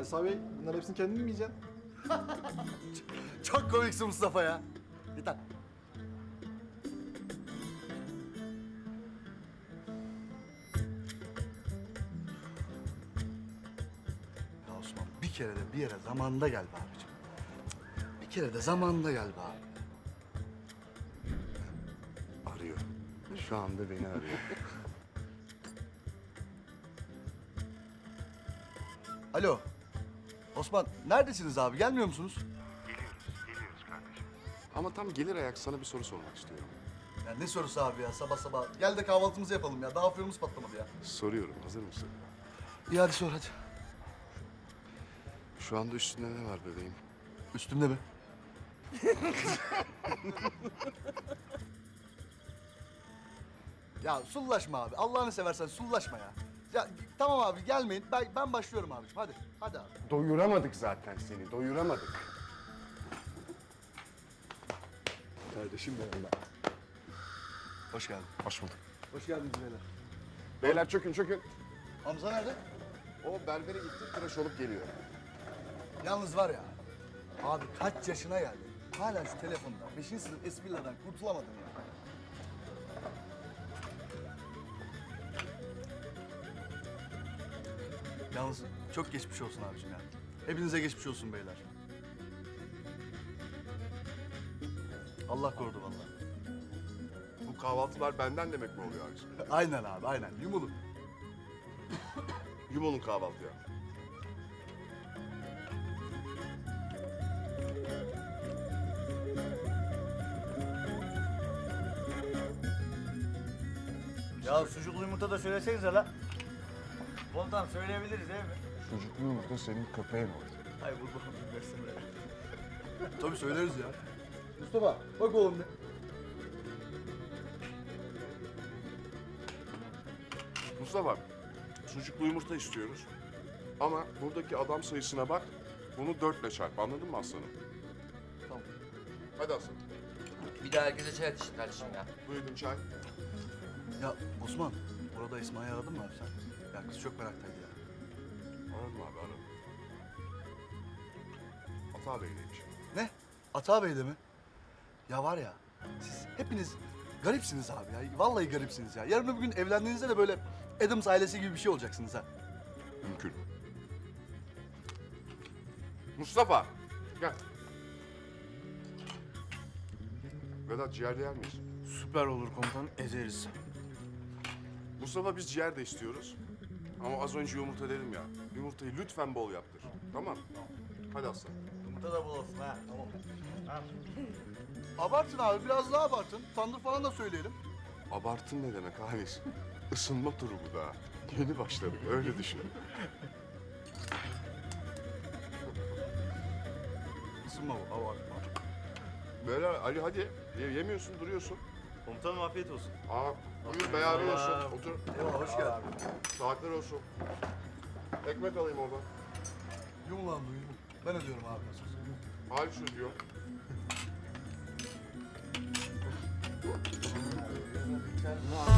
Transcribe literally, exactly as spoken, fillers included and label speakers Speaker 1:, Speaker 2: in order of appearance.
Speaker 1: Salih Bey, bunların hepsini kendin mi yiyeceksin?
Speaker 2: Çok komiksin Mustafa ya. Git lan. Ya Osman bir kere de bir yere zamanında gel be abicim. Bir kere de zamanında gel be abi.
Speaker 3: Arıyor. Şu anda beni arıyor.
Speaker 2: Alo. Osman neredesiniz abi? Gelmiyor musunuz?
Speaker 3: Ama tam gelir ayak sana bir soru sormak istiyorum.
Speaker 2: Ya ne sorusu abi ya sabah sabah. Gel de kahvaltımızı yapalım ya. Daha afyonumuz patlamadı ya.
Speaker 3: Soruyorum, hazır mısın?
Speaker 2: İyi hadi sor hadi.
Speaker 3: Şu anda üstünde ne var bebeğim?
Speaker 2: Üstümde mi? Ya sullaşma abi. Allah'ını seversen sullaşma ya. Ya tamam abi gelmeyin. Ben, ben başlıyorum abiciğim. Hadi. Hadi abi.
Speaker 3: Doyuramadık zaten seni, doyuramadık.
Speaker 2: Kardeşim benim. Hoş geldin.
Speaker 3: Hoş bulduk.
Speaker 2: Hoş geldiniz beyler.
Speaker 3: Beyler çökün çökün.
Speaker 2: Hamza nerede?
Speaker 3: O berbere gitti, tıraş olup geliyor.
Speaker 2: Yalnız var ya. Abi kaç yaşına geldi. Hala şu telefonda. Beşinci sınıf esprilerden kurtulamadın ya. Yalnız çok geçmiş olsun abiciğim ya. Hepinize geçmiş olsun beyler. Allah korudu vallahi.
Speaker 3: Bu kahvaltılar benden demek mi oluyor abiciğim?
Speaker 2: Aynen abi aynen. Yumulun.
Speaker 3: Yumonun kahvaltıya.
Speaker 4: Ya sucuklu yumurta da söylesenize la. Komutanım söyleyebiliriz değil mi?
Speaker 3: Sucuklu yumurta senin köpeğin oldu.
Speaker 4: Hay bu bu versene.
Speaker 2: Tabii söyleriz ya. Mustafa bak oğlum ne?
Speaker 3: Mustafa, sucuklu yumurta istiyoruz. Ama buradaki adam sayısına bak, bunu dörtle çarp. Anladın mı aslanım?
Speaker 2: Tamam.
Speaker 3: Hadi aslanım.
Speaker 5: Bir daha herkese çay atışın kardeşim ya.
Speaker 3: Buyurun çay.
Speaker 2: Ya Osman, orada İsmail'i aradın mı abi sen? Ya kız çok meraktaydı ya.
Speaker 3: Aradım abi, aradım. Ata Bey'leymiş.
Speaker 2: Ne? Ata Bey'de mi? Ya var ya, siz hepiniz garipsiniz abi ya. Vallahi garipsiniz ya. Yarın öbür gün evlendiğinizde de böyle Adams ailesi gibi bir şey olacaksınız ha.
Speaker 3: Mümkün. Mustafa, gel. Vedat ciğer yer miyiz?
Speaker 1: Süper olur komutanım, ezeriz.
Speaker 3: Mustafa biz ciğer de istiyoruz. Ama az önce yumurta dedim ya. Yumurtayı lütfen bol yaptır. Tamam? Hadi aslan.
Speaker 4: Yumurta da bol olsun ha. Tamam.
Speaker 2: Abartın abi, biraz daha abartın. Tandır falan da söyleyelim.
Speaker 3: Abartın ne demek Halis? Isınma turu bu daha. Yeni başladık, öyle düşün.
Speaker 2: Isınma bu, abartma.
Speaker 3: Böyle Ali hadi. Ye- yemiyorsun, duruyorsun.
Speaker 4: Komutanım afiyet olsun.
Speaker 3: Aa, buyur beyazın olsun. Otur.
Speaker 2: Eyvallah, hoş geldin.
Speaker 3: Saatler olsun. Ekmek alayım oradan.
Speaker 2: Yum lan bu, yum. Ben ödüyorum abi nasıl olsa.
Speaker 3: Halis ödüyor.
Speaker 2: Aa,